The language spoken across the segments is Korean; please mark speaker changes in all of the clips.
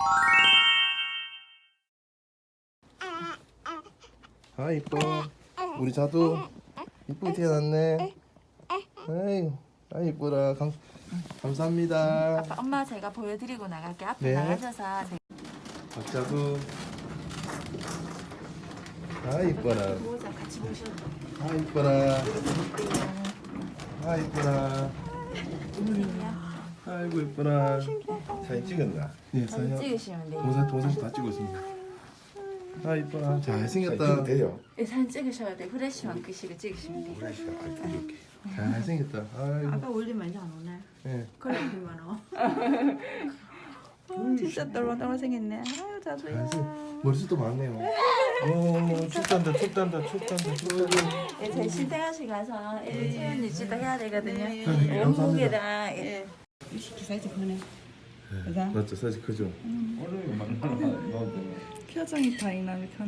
Speaker 1: 아 이뻐. 우리 자두 이쁘게 태어났네. 아이, 아 이뻐라. 감사합니다.
Speaker 2: 아빠, 엄마 제가 보여드리고 나갈게. 앞에
Speaker 1: 네.
Speaker 2: 나가셔서
Speaker 1: 박자두. 아 이뻐라.
Speaker 2: 보호자 같이 보셔도 돼요.
Speaker 1: 아 이뻐라. 아 이뻐라. 아이고 이뻐라. 사진 찍었나? 네,
Speaker 2: 사진 찍으시면 돼요.
Speaker 1: 동영상 다 찍었습니다. 아 이뻐라. 잘생겼다.
Speaker 3: 돼요.
Speaker 2: 네, 사진 찍으셔야 돼요. 후레쉬만 끄시고 찍으시면 돼요.
Speaker 3: 이렇게.
Speaker 1: 잘생겼다. 아이고.
Speaker 4: 아까 올리면 이제 안 오네.
Speaker 1: 네.
Speaker 4: 그래 올리면 와.
Speaker 2: 진짜 똘망똘망 생겼네. 아유 자두야.
Speaker 1: 잘생. 머리숱도 많네요. 오 춥단다 춥단다 춥단다 춥단다.
Speaker 2: 네, 저희 신생아실 가서 체온 유지도 해야 되거든요.
Speaker 1: 네,
Speaker 2: 온몸이랑
Speaker 4: 예. 시키 사이즈 크네. 그죠?
Speaker 1: 맞죠 사진 크죠.
Speaker 2: 표정이 다이나믹하네.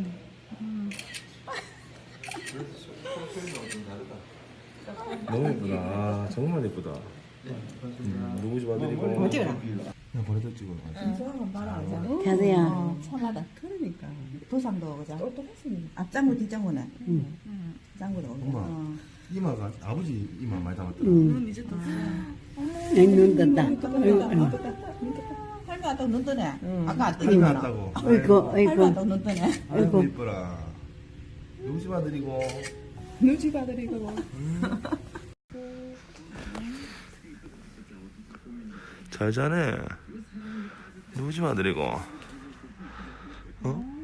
Speaker 1: 너무 예쁘다. 아, 정말 예쁘다. 누구 집 아들이고?
Speaker 4: 뭐 찍어라.
Speaker 1: 그냥 버려다 찍어.
Speaker 4: 저건 봐라.
Speaker 5: 자두야.
Speaker 4: 참하다. 그러니까. 부상도 그죠? 앞장구 뒷장구네. 짱구도 오고.
Speaker 1: 엄마. 이마가 아버지 이마 많이 닮았더라.
Speaker 4: 눈 이제 떴어.
Speaker 5: 눈 떴다.
Speaker 4: 할머니 또눈 뜨네. 아까 안
Speaker 1: 할매
Speaker 4: 뜨니까.
Speaker 1: 왔다고.
Speaker 5: 아이고,
Speaker 4: 할머니
Speaker 5: 아이고.
Speaker 4: 또눈 뜨네.
Speaker 1: 아이고 이뻐라. 누구 집 아들이고?
Speaker 4: 눈치 받으리고.
Speaker 1: 잘 자네. 누구 집 아들이고? 어?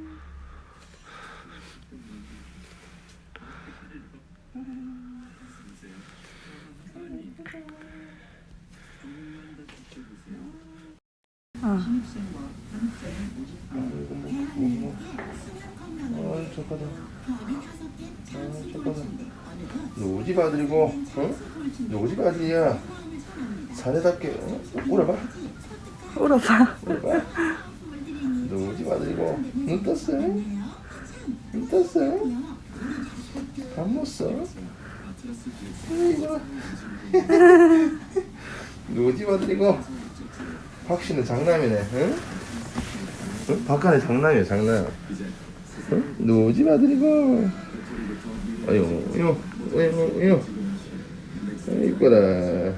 Speaker 1: 아, 착하다. 아, 착하다. 누구 집 아들이고? 응? 누구 집 아들이야? 사내답게, 어? 울어봐.
Speaker 2: 울어봐.
Speaker 1: 울어봐. 누구 집 아들이고? 눈 떴어? 눈 떴어? 밥 먹었어? 아이고. 누구 집 아들이고? 박씨는 장남이네, 응? 응? 박하는 장남이야, 장남. 응? 누구 집 아들이고? 아이고, 이거. 이뻐라.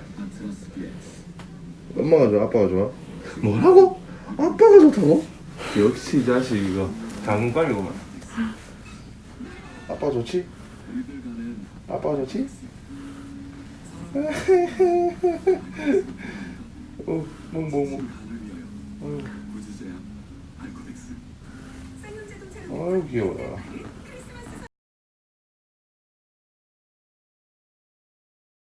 Speaker 1: 엄마가 좋아, 아빠가 좋아? 뭐라고? 아빠가 좋다고? 역시 이 자식 이거 장군감이구만. 아빠 좋지? 아빠가 좋지? 뭐. 아유 귀여워라.